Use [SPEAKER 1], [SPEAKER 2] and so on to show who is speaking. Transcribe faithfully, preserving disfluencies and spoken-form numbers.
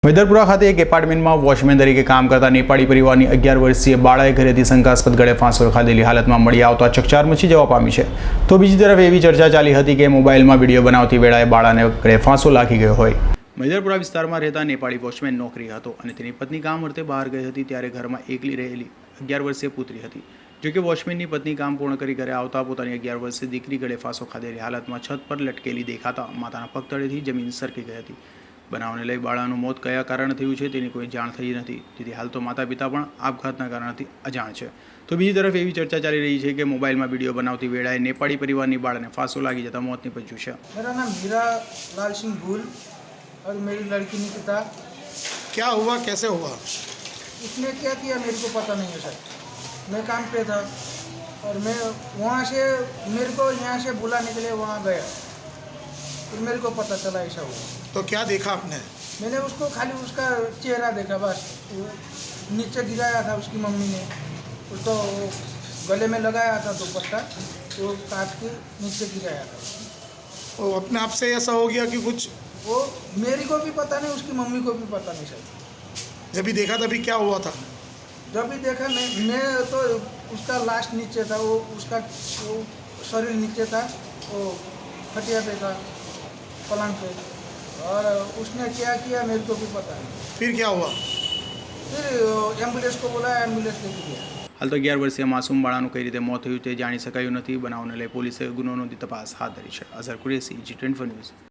[SPEAKER 1] મેદરપુરા ખાતે એક એપાર્ટમેન્ટમાં વોચમેન તરીકે કામ કરતા નેપાળી પરિવારની અગિયાર વર્ષીય બાળાએ ઘરેથી શંકાસ્પદ ગળે ફાંસો ખાધેલી હાલતમાં મળી આવતા ચકચાર મચી જવા પામી છે। તો બીજી તરફ એવી ચર્ચા ચાલી હતી કે મોબાઈલમાં વિડીયો બનાવતી વેળાએ બાળાને ગળે ફાંસો લાગી ગયો હોય। મેદરપુરા વિસ્તારમાં રહેતા નેપાળી વોચમેન નોકરી હતો અને તેની પત્ની કામ અર્થે બહાર ગઈ હતી ત્યારે ઘરમાં એકલી રહેલી અગિયાર વર્ષીય પુત્રી હતી। જો કે વોચમેનની પત્ની કામ પૂર્ણ કરી ઘરે આવતા પોતાની અગિયાર વર્ષીય દીકરી ગળે ફાંસો ખાધેલી હાલતમાં છત પર લટકેલી દેખાતા માતાના પગ તળેથી જમીન સરકી ગઈ હતી। બનાવને લઈ બાળાનું મોત કયા કારણે થયું છે તેની કોઈ જાણ થઈ નથી, જેથી હાલ તો માતા પિતા પણ આપઘાતના કારણથી અજાણ છે। તો બીજી તરફ એવી ચર્ચા ચાલી રહી છે કે મોબાઈલમાં વિડીયો બનાવતી વેળાએ નેપાળી પરિવારની બાળાને ફાંસો લાગી જતા મોત નીપજ્યું છે।
[SPEAKER 2] मेरा नाम हीरा लाल सिंह भूल और मेरी लड़की निकिता।
[SPEAKER 3] क्या हुआ, कैसे हुआ?
[SPEAKER 2] उसने क्या किया मेरे को पता नहीं है सर। मैं काम पे था और मैं वहाँ से मेरे को यहाँ से बुलाने के लिए वहाँ गया, फिर मेरे को पता चला ऐसा हुआ।
[SPEAKER 3] तो क्या देखा आपने?
[SPEAKER 2] मैंने उसको खाली उसका चेहरा देखा बस। वो नीचे गिराया था उसकी मम्मी ने, तो गले में लगाया था दुपट्टा, तो काट के नीचे गिराया था।
[SPEAKER 3] वो अपने आप से ऐसा हो गया कि कुछ?
[SPEAKER 2] वो मेरे को भी पता नहीं, उसकी मम्मी को भी पता नहीं सर।
[SPEAKER 3] जब भी देखा तभी क्या हुआ था?
[SPEAKER 2] जब भी देखा मैं मैं तो उसका लास्ट नीचे था, वो उसका वो शरीर नीचे था, वो खटिया पे था पलंग पे, और उसने क्या किया मेरे को भी पता नहीं।
[SPEAKER 3] फिर क्या हुआ?
[SPEAKER 2] फिर एम्बुलेंस को बोला, एम्बुलेंस लेके गया।
[SPEAKER 1] હાલ તો અગિયાર વર્ષીય માસૂમ બાળાનું કઈ રીતે મોત થયું તે જાણી શકાયું નથી। બનાવને લઈ પોલીસે ગુનો નોંધી તપાસ હાથ ધરી છે। Azhar Qureshi, G twenty four news.